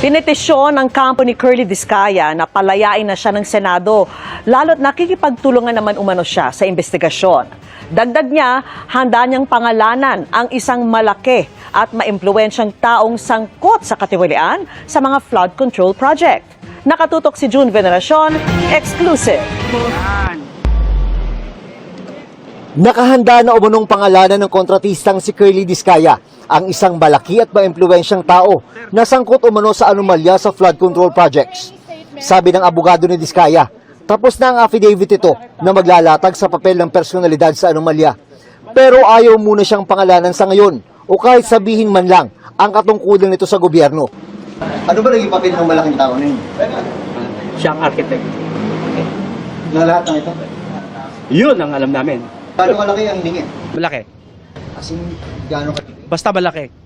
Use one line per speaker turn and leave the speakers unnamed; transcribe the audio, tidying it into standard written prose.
Pinetisyon ng kampo ni Curly Vizcaya na palayain na siya ng Senado, lalo't nakikipagtulungan naman umano siya sa investigasyon. Dagdag niya, handa niyang pangalanan ang isang malaki at maimpluwensyang taong sangkot sa katiwalian sa mga flood control project. Nakatutok si June Veneracion, exclusive.
Nakahanda na umunong pangalanan ng kontratistang si Curly Vizcaya, ang isang malaki at maimpluwensyang tao na sangkot umano sa anomalya sa flood control projects. Sabi ng abogado ni Vizcaya, tapos na ang affidavit ito na maglalatag sa papel ng personalidad sa anomalya. Pero ayaw muna siyang pangalanan sa ngayon o kahit sabihin man lang ang katungkulan nito sa gobyerno. Ano ba naging papel ng malaking tao na yun?
Siya ang architect.
Na lahat ng ito?
Yun ang alam namin.
Paano malaki ang lingit?
Malaki.
As in, gaano ka?
Basta malaki.